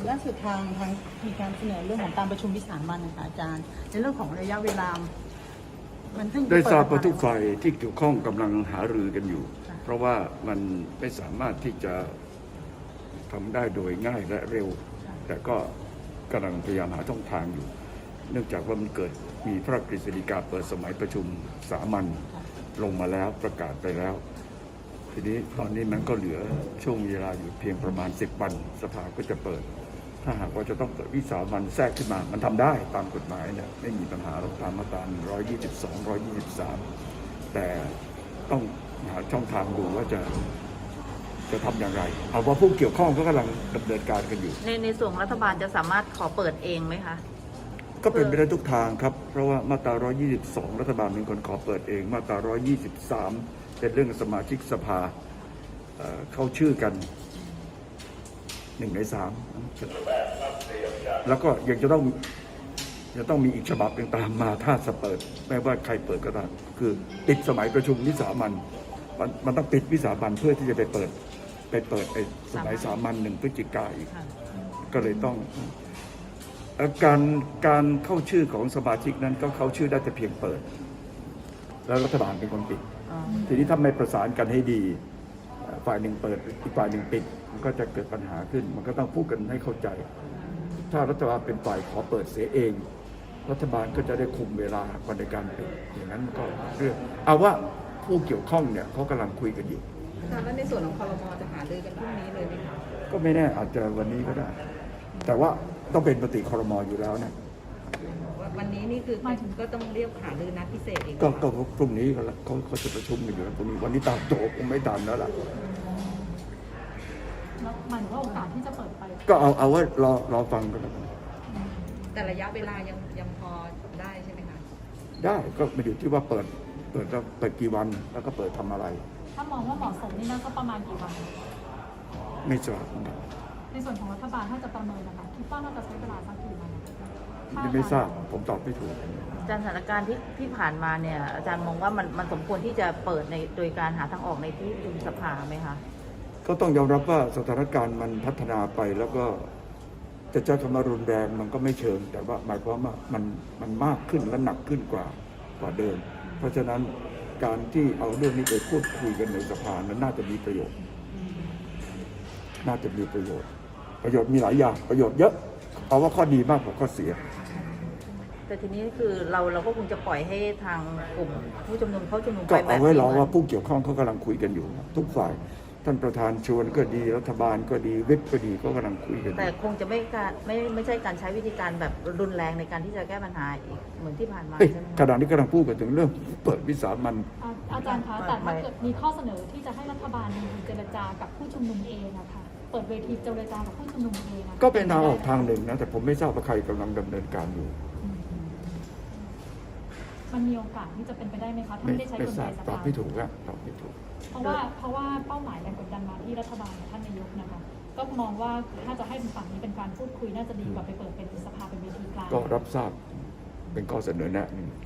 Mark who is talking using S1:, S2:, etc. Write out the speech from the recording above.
S1: ล่าสุดทางมีการเสนอเรื่องของการประชุมวิสามัญนะคะอาจารย์ในเรื่องของระยะเวลามันซึ่ง
S2: ได้ทราบว่าทุกฝ่ายที่เกี่ยวข้องกำลังหารือกันอยู่เพราะว่ามันไม่สามารถที่จะทำได้โดยง่ายและเร็วแต่ก็กำลังพยายามหาช่องทางอยู่เนื่องจากว่ามันเกิดมีพระราชกฤษฎีกาเปิดสมัยประชุมสามัญลงมาแล้วประกาศไปแล้วทีนี้ตอนนี้มันก็เหลือช่วงเวลาอยู่เพียงประมาณ10 วันสภาก็จะเปิดถ้าหากว่าจะต้องเปิดวิสามัญแทรกขึ้นมามันทำได้ตามกฎหมายเนี่ยไม่มีปัญหาตามมาตรา122 123แต่ต้องหาช่องทางดูว่าจะทำอย่างไรเอาว่าผู้เกี่ยวข้องก็กำลังดำเนินการกันอยู่
S3: ในส่วนรัฐบาลจะสามารถขอเปิดเองไหมคะ
S2: ก็เป็นไปได้ทุกทางครับเพราะว่ามาตรา122รัฐบาลเป็นคนขอเปิดเองมาตรา123เป็นเรื่องสมาชิกสภาเข้าชื่อกัน1 ใน 3แล้วก็ยังจะต้องมีอีกฉบับหนึ่งตามมาถ้าจะเปิดไม่ว่าใครเปิดก็ตามคือปิดสมัยประชุมวิสามัญมันต้องปิดวิสามัญเพื่อที่จะไปเปิดไอ้สมัยสามัญ1 พฤศจิกายนอีกก็เลยต้องการเข้าชื่อของสมาชิกนั้นก็เข้าชื่อได้แต่เพียงเปิดแล้วรัฐบาลเป็นคนปิดทีนี้ถ้าไม่ประสานกันให้ดีฝ่ายหนึ่งเปิดอีกฝ่ายหนึ่งปิดมันก็จะเกิดปัญหาขึ้นมันก็ต้องพูดกันให้เข้าใจถ้ารัฐบาลเป็นฝ่ายขอเปิดเสียเองรัฐบาลก็จะได้คุมเวลาในการปิดอย่างนั้นก็เรื่องเอาว่าผู้เกี่ยวข้องเนี่ยเขากำลังคุยกันอยู่
S4: แล้วในส่วนของครม.จะหารือกันพรุ่งนี้เลยไหมคะ
S2: ก็ไม่แน่อาจจะวันนี้ก็ได้แต่ว่าต้องเป็นมติครม.อยู่แล้วนะ
S4: วันนี้นี่คือก็ต้องเรียกหารือนัดพิเศษอีก
S2: ก็พรุ่งนี้ก็แล้วเขาจะประชุมกันอยู่พรุ่งนี้วันนี้ตามโจคงไม่ตามแล้วล่ะ
S5: หมายถึงว่าโอกาสที่จะเปิดไป
S2: ก็เอาว่ารอฟังกันแล้วกัน
S4: แต่ระยะเวลายังพอได้ใช่ไหมคะ
S2: ได้ก็ไม่อยู่ที่ว่าเปิดกี่วันแล้วก็เปิดทำอะไร
S5: ถ้ามองว่าเหมาะสมนี่น่าจะประมาณกี่วัน
S2: ไม่ทราบ
S5: ในส่วนของรัฐบาลถ้าจะประเมินนะคะคิดว่าน่าจะใช้เวลาสักกี่วัน
S2: ไม่ทราบผมตอบไม่ถูก
S3: อาจารย์สถานการณ์ที่ผ่านมาเนี่ยอาจารย์มองว่ามันสมควรที่จะเปิดโดยการหาทางออกในที่ประชุมสภาไหมคะ
S2: ก็ต้องยอมรับว่าสถานการณ์มันพัฒนาไปแล้วก็จะใช้คำว่ารุนแรงมันก็ไม่เชิงแต่ว่าหมายความว่ามันมากขึ้นและหนักขึ้นกว่าเดิมเพราะฉะนั้นการที่เอาเรื่องนี้ไปพูดคุยกันในสภานั้นน่าจะมีประโยชน์มีหลายอย่างประโยชน์เยอะเอาว่าข้อดีมากกว่าข้อเสีย
S3: แต่ทีนี้คือเราก็คงจะปล่อยให้ทางกลุ่มผู้ชุมนุมเขาชุมนุมไป
S2: แบบนี้ก็เอาไว้รอว่าผู้เกี่ยวข้องเขากำลังคุยกันอยู่ทุกฝ่ายท่านประธานชวนก็ดีรัฐบาลก็ดีวิปก็ดีก็กำลังคุยกัน
S3: แต่คงจะไม่ใช่การใช้วิธีการแบบรุนแรงในการที่จะแก้ปัญหาอีกเหมือนที่ผ่านมาใช่ไหม
S2: ขณะนี้กำลังพูดกันถึงเรื่องเปิดวิสามัญ
S5: อาจารย์คะแต่ถ้าเกิดมีข้อเสนอที่จะให้รัฐบาลเจรจากับผู้ชุมนุมเองนะคะเปิดเวทีเจรจากับผู้ชุมนุมเอง
S2: ก็เป็นทางออกทางหนึ่งนะแต่ผมไม่ทราบว่าใครกำลังดำเนินการอยู่
S5: มันมีโอกาสที่จะเป็นไปได้ไหมคะถ้าไม่ได้ใช้กลไกสภา
S2: ตอบไม่ถูกครับตอบไม่ถูก
S5: เพราะว่าเป้าหมายแรงกดดันมาที่รัฐบาลท่านนายกนะคะก็มองว่าถ้าจะให้ฝั่งนี้เป็นการพูดคุยน่าจะดีกว่าไปเปิดเป็นสภาเป็นเวทีกลาง
S2: ก็รับทราบเป็นข้อเสนอแนะหนึ่ง